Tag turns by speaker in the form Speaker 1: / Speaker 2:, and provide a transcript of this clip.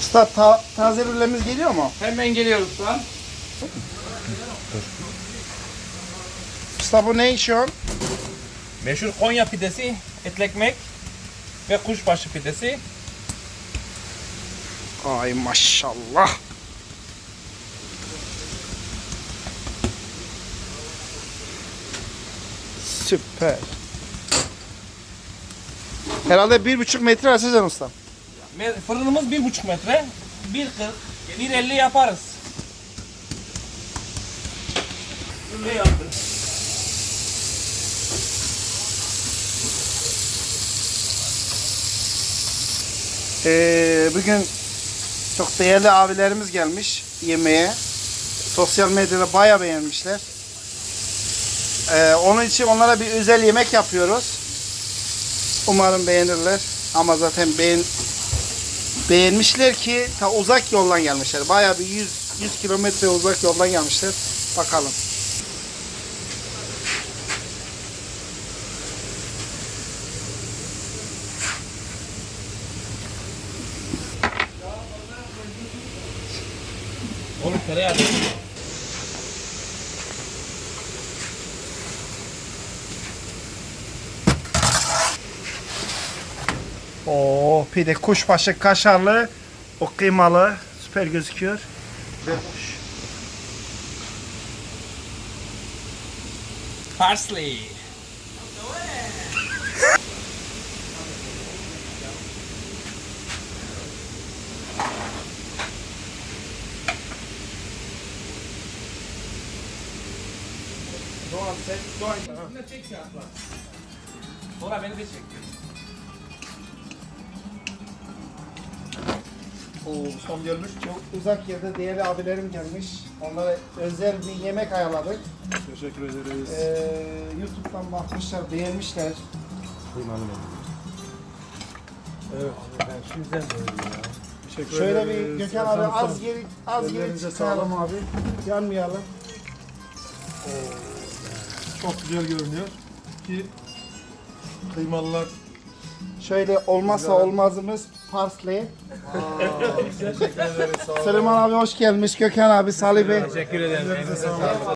Speaker 1: Usta taze rülemiz geliyor mu?
Speaker 2: Hemen geliyoruz şu an.
Speaker 1: Usta bu ne iş on?
Speaker 2: Meşhur Konya pidesi, etli ekmek ve kuşbaşı pidesi.
Speaker 1: Ay maşallah. Süper. Herhalde 1,5 metre açacaksın usta.
Speaker 2: Fırınımız 1,5 metre. 1,40, 1,50 yaparız. Böyle yaptım.
Speaker 1: Bugün çok değerli abilerimiz gelmiş yemeğe. Sosyal medyada bayağı beğenmişler. Onun için onlara bir özel yemek yapıyoruz. Umarım beğenirler. Ama zaten beğenmişler ki ta uzak yoldan gelmişler. Bayağı bir 100 kilometre uzak yoldan gelmişler. Bakalım.
Speaker 2: Oğlum tereyağı değil mi?
Speaker 1: Oo, pide kuşbaşı kaşarlı, o kıymalı, süper gözüküyor.
Speaker 2: Parsley.
Speaker 1: Doğan sen,
Speaker 2: Üstüne çek siyahlar. Sonra beni de çek.
Speaker 1: son gelmiş. Çok uzak yerde değerli abilerim gelmiş. Onlara özel bir yemek ayarladık.
Speaker 3: Teşekkür ederiz.
Speaker 1: YouTube'dan bakmışlar, beğenmişler.
Speaker 3: Evet. Ben şimdiden böyle ya. Teşekkür
Speaker 1: Şöyle
Speaker 3: ederiz.
Speaker 1: bir Gökhan abi
Speaker 3: Efendim,
Speaker 1: az geri
Speaker 3: ellerinize
Speaker 1: çıkaralım abi. Yanmayalım.
Speaker 3: çok güzel görünüyor ki kıymalılar.
Speaker 1: Şöyle olmazsa olmazımız parsley.
Speaker 3: Teşekkür ederiz. Sağ olun.
Speaker 1: Süleyman abi hoş gelmiş. Gökhan abi, Salih Bey.
Speaker 2: Teşekkür ederim.
Speaker 3: Ellerinize sağlık.